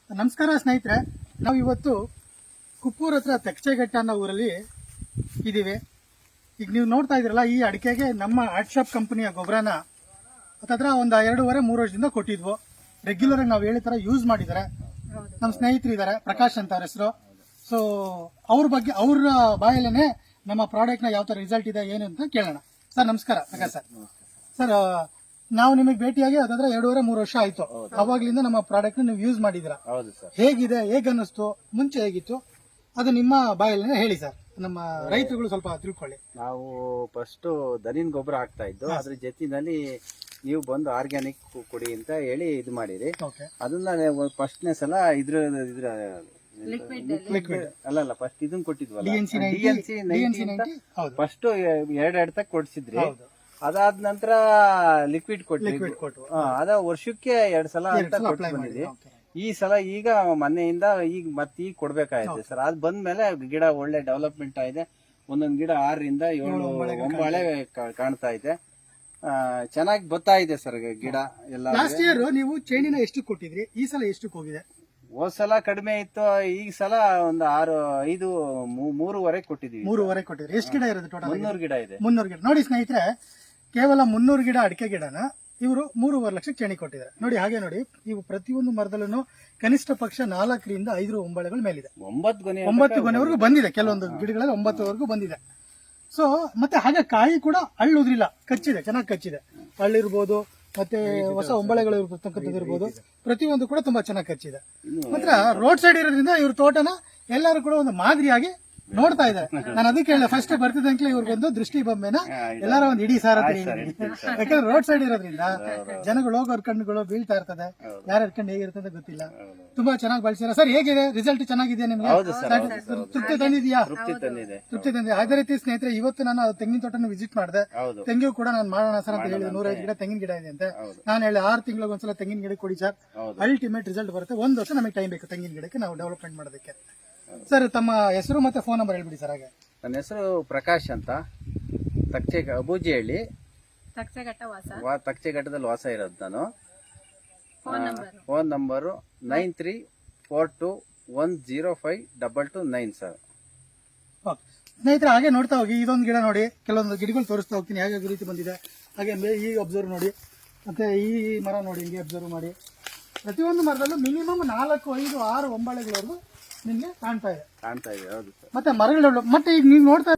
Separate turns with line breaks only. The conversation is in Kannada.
ನಮಸ್ಕಾರ ಸ್ನೇಹಿತರೆ, ನಾವು ಇವತ್ತು ಕುಪ್ಪೂರ್ ಹತ್ರ ತೆಕ್ಚೆಘಟ್ಟ ಅನ್ನೋ ಊರಲ್ಲಿ ಇದ್ದೀವಿ. ಈಗ ನೀವು ನೋಡ್ತಾ ಇದ್ರಲ್ಲ, ಈ ಅಡಿಕೆಗೆ ನಮ್ಮ ಆರ್ಟ್ ಶಾಪ್ ಕಂಪನಿಯ ಗೊಬ್ಬರನ ಹತ್ರ ಒಂದು 2.5-3 ವರ್ಷದಿಂದ ಕೊಟ್ಟಿದ್ವು. ರೆಗ್ಯುಲರ್ ಆಗಿ ನಾವು ಹೇಳಿ ತರ ಯೂಸ್ ಮಾಡಿದ್ದಾರೆ. ನಮ್ಮ ಸ್ನೇಹಿತರು ಇದ್ದಾರೆ, ಪ್ರಕಾಶ್ ಅಂತ ಅವ್ರ ಹೆಸರು. ಸೊ ಅವ್ರ ಬಗ್ಗೆ ಅವ್ರ ಬಾಯಲ್ಲೇನೆ ನಮ್ಮ ಪ್ರಾಡಕ್ಟ್ ನ ಯಾವ ತರ ರಿಸಲ್ಟ್ ಇದೆ ಏನು ಅಂತ ಕೇಳೋಣ. ಸರ್ ನಮಸ್ಕಾರ. ಪ್ರಕಾಶ್ ಸರ್, ಸರ್ ನಾವು ನಿಮಗೆ ಭೇಟಿಯಾಗಿ ಅದಾದ್ರೆ 2.5-3 ವರ್ಷ ಆಯ್ತು. ಅವಾಗ್ಲಿಂದ ನಮ್ಮ ಪ್ರಾಡಕ್ಟ್ ನೀವು ಯೂಸ್ ಮಾಡಿದಿರಾ. ಹೇಗಿದೆ, ಹೇಗೆ ಅನ್ನಿಸ್ತು, ಮುಂಚೆ ಹೇಗಿತ್ತು, ಅದು ನಿಮ್ಮ ಬಾಯಲ್ಲಿ ಹೇಳಿ ಸರ್, ನಮ್ಮ ರೈತರುಗಳು ಸ್ವಲ್ಪ ತಿಳ್ಕೊಳ್ಳಿ.
ನಾವು ಫಸ್ಟ್ ದನಿನ್ ಗೊಬ್ಬರ ಹಾಕ್ತಾ ಇದ್ದು, ಅದ್ರ ಜೊತೆನಲ್ಲಿ ನೀವು ಬಂದು ಆರ್ಗ್ಯಾನಿಕ್ ಕೊಡಿ ಅಂತ ಹೇಳಿ ಇದು ಮಾಡಿರಿ. ಅದನ್ನ ಫಸ್ಟ್ನೇ ಸಲ ಇದ್ರ
ಲಿಕ್ವಿಡ್
ಅಲ್ಲ ಫಸ್ಟ್ ಇದನ್ನ ಕೊಟ್ಟಿದ್ವಲ್ಲ, DNC ಫಸ್ಟ್ 2 ತಕ್ ಕೊಡ್ಸಿದ್ರಿ. ಅದಾದ ನಂತರ ಲಿಕ್ವಿಡ್ ಕೊಟ್ಟು ಅದ ವರ್ಷಕ್ಕೆ 2 ಸಲ ಅಂತ ಕೊಟ್ಟು ಬಂದಿದ್ವಿ. ಈ ಸಲ ಈಗ ಮೊನ್ನೆಯಿಂದ ಈಗ ಕೊಡ್ಬೇಕಾಯ್ತು ಸರ್. ಅದ್ ಬಂದ್ಮೇಲೆ ಗಿಡ ಒಳ್ಳೆ ಡೆವಲಪ್ಮೆಂಟ್ ಆಗಿದೆ. ಒಂದೊಂದ್ ಗಿಡ 6-7 ಒಂಬಾಳೆ ಕಾಣ್ತಾ ಇದೆ. ಚೆನ್ನಾಗಿ ಬರ್ತಾ ಇದೆ ಸರ್ ಗಿಡ ಎಲ್ಲ.
ಲಾಸ್ಟ್ ಇಯರ್ ನೀವು ಚೇಣಿನ ಎಷ್ಟು ಕೊಟ್ಟಿದ್ರಿ, ಈ ಸಲ ಎಷ್ಟು ಹೋಗಿದೆ?
ಹೋದ್ ಸಲ ಕಡಿಮೆ ಇತ್ತು, ಈ ಸಲ ಒಂದು 3.5 ಕೊಟ್ಟಿದೀವಿ.
3.5 ಕೊಟ್ಟಿದ್ರಿ. ಎಷ್ಟು ಗಿಡ ಇರೋದು ಟೋಟಲ್?
300 ಗಿಡ ಇದೆ.
300 ಗಿಡ. ನೋಡಿ ಸ್ನೇಹಿತರೆ, ಕೇವಲ 300 ಗಿಡ ಅಡಿಕೆ ಗಿಡನ ಇವರು 3.5 ಲಕ್ಷಕ್ಕೆ ಚೇಣಿ ಕೊಟ್ಟಿದ್ದಾರೆ. ನೋಡಿ, ಹಾಗೆ ನೋಡಿ, ಇವು ಪ್ರತಿಯೊಂದು ಮರದಲ್ಲೂ ಕನಿಷ್ಠ ಪಕ್ಷ 4-5 ಒಂಬಳೆಗಳ ಮೇಲಿದೆ. 9 ಗೊನೆವರೆಗೂ ಬಂದಿದೆ. ಕೆಲವೊಂದು ಗಿಡಗಳಲ್ಲಿ 9ವರೆಗೂ ಬಂದಿದೆ. ಸೊ ಮತ್ತೆ ಹಾಗೆ ಕಾಯಿ ಕೂಡ ಹಳ್ಳುದ್ರಿಲ್ಲ, ಕಚ್ಚಿದೆ, ಚೆನ್ನಾಗಿ ಕಚ್ಚಿದೆ. ಹಳ್ಳಿರ್ಬೋದು, ಮತ್ತೆ ಹೊಸ ಒಂಬಳೆಗಳು ಇರ್ಬೋದು, ಪ್ರತಿಯೊಂದು ಕೂಡ ತುಂಬಾ ಚೆನ್ನಾಗಿ ಕಚ್ಚಿದೆ. ಮಾತ್ರ ರೋಡ್ ಸೈಡ್ ಇರೋದ್ರಿಂದ ಇವ್ರ ತೋಟನ ಎಲ್ಲರೂ ಕೂಡ ಒಂದು ಮಾದರಿಯಾಗಿ ನೋಡ್ತಾ ಇದ್ದಾರೆ. ನಾನು ಅದಕ್ಕೆ ಹೇಳಿದೆ, ಫಸ್ಟ್ ಬರ್ತಿದ್ದಂಕ್ಲೆ ಇವ್ರಿಗೊಂದು ದೃಷ್ಟಿ ಬೊಮ್ಮೆನ ಎಲ್ಲಾರ ಒಂದು ಇಡೀ ಸಾರಥಿ. ಯಾಕಂದ್ರೆ ರೋಡ್ ಸೈಡ್ ಇರೋದ್ರಿಂದ ಜನಗಳು ಹೋಗೋರ್ ಕಣ್ಣುಗಳು ಬೀಳ್ತಾ ಇರ್ತದೆ. ಯಾರ್ಯಾರ ಕಣ್ಣು ಹೇಗಿರ್ತದೆ ಗೊತ್ತಿಲ್ಲ. ತುಂಬಾ ಚೆನ್ನಾಗಿ ಬಳಸಿರ ಸರ್. ಹೇಗಿದೆ ರಿಸಲ್ಟ್? ಚೆನ್ನಾಗಿದೆ ನಿಮ್ಗೆ? ತೃಪ್ತಿ ತಂದಿದ್ಯಾ? ತೃಪ್ತಿ ತಂದಿದೆ. ಅದೇ ರೀತಿ ಸ್ನೇಹಿತರೆ, ಇವತ್ತು ನಾನು ತೆಂಗಿನ ತೋಟನ ವಿಸಿಟ್ ಮಾಡಿದೆ. ತೆಂಗಿನ ಕೂಡ ನಾನು ಮಾಡೋಣ ಸರ್ ಅಂತ ಹೇಳಿದೆ. 105 ಗಿಡ ತೆಂಗಿನ ಗಿಡ ಇದೆ ಅಂತ ನಾನು ಹೇಳಿ. 6 ತಿಂಗಳಿಗೆ ಒಂದ್ಸಲ ತೆಂಗಿನ ಗಿಡ ಕೊಡಿ ಸರ್, ಅಲ್ಟಿಮೇಟ್ ರಿಸಲ್ಟ್ ಬರುತ್ತೆ. 1 ವರ್ಷ ನಮಗೆ ಟೈಮ್ ಬೇಕು ತೆಂಗಿನ ಗಿಡಕ್ಕೆ ನಾವು ಡೆವಲಪ್ಮೆಂಟ್ ಮಾಡೋದಕ್ಕೆ. ಸರ್ ತಮ್ಮ ಹೆಸರು ಮತ್ತೆ ಫೋನ್ ನಂಬರ್ ಹೇಳ್ಬಿಡಿ ಸರ್. ಹಾಗೆ
ನನ್ನ ಹೆಸರು ಪ್ರಕಾಶ್ ಅಂತ, ಅಬೂಜಿಹಳ್ಳಿ, ತಕ್ಚೆಘಟ್ಟದಲ್ಲಿ ವಾಸ ಇರೋದು ನಾನು. Phone number 9342105229 sir.
ಸ್ನೇಹಿತರೆ, ಹಾಗೆ ನೋಡ್ತಾ ಹೋಗಿ. ಇದೊಂದು ಗಿಡ ನೋಡಿ, ಕೆಲವೊಂದು ಗಿಡಗಳು ತೋರಿಸ್ತಾ ಹೋಗ್ತೀನಿ ಹೇಗೆ ರೀತಿ ಬಂದಿದೆ. ಹಾಗೆ ಈ ಅಬ್ಸರ್ವ್ ನೋಡಿ, ಮತ್ತೆ ಈ ಮರ ನೋಡಿ, ಹಿಂಗೆ ಅಬ್ಸರ್ವ್ ಮಾಡಿ. ಪ್ರತಿಯೊಂದು ಮರದಲ್ಲೂ ಮಿನಿಮಮ್ 4-5-6 ಒಂಬಳೆಗಳವರೆಗೂ ನಿಮ್ಗೆ ಕಾಣ್ತಾ ಇದೆ.
ಹೌದು ಸರ್.
ಮತ್ತೆ ಮರಗಳು ಮತ್ತೆ ಈಗ ನೀವು ನೋಡ್ತಾ